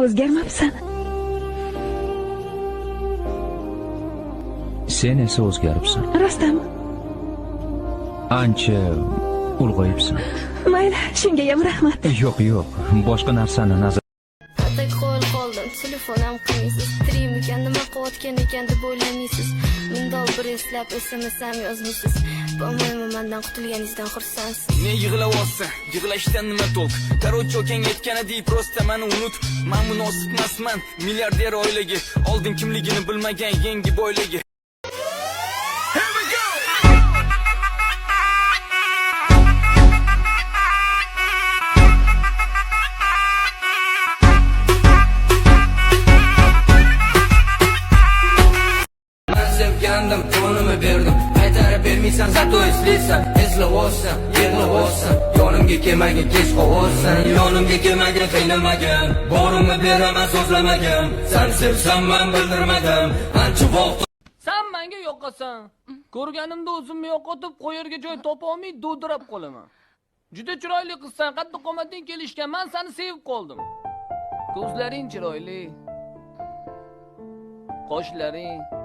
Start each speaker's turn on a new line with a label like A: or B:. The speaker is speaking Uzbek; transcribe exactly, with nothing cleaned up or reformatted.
A: o'zgarmabsan.
B: Sen esa o'zgaribsan.
A: Rostmi?
B: Ancha ulg'ayibsan.
A: Mayli, shunga ham rahmat.
B: Yo'q, yo'q. Boshqa narsani nazar
C: Atak qo'l qoldim, telefon ham qilmaysiz. Tirim ekan, nima qilayotgan ekan deb o'ylamaysiz. Mundol bir eslab S M S ham yozmaysiz. Bo'lmaymi mendan qutulganingizdan xursandsiz.
D: Ne yig'layapsan? Yig'lashdan nima to'q? Короче, o'kang aytganidek, prosta meni unut. Men munosib emasman milliarder oilaga. Oldin kimligini bilmagan yangi boylaga.
E: Sevgandim, jonimni berdim. Qaytarib bermaysan, zato eslaysan. Eslab olsan, yig'lab olsan. Yonimga kelmagin, kech qolsan. Yonimga kelmagin, qiynamagin. Borimni beraman, so'zlamagan. Sen sevsan, men bildirmadim. Ancha vaqt
F: Sen menga yo'qasan. Ko'rganimda o'zimni yo'qotib, qo'yarga joy topa olmay dovdirab qolaman. Juda chiroyli qizsan, qattiq qomating kelishgan. Men seni sevib qoldim. Ko'zlaring chiroyli. Qoshlaring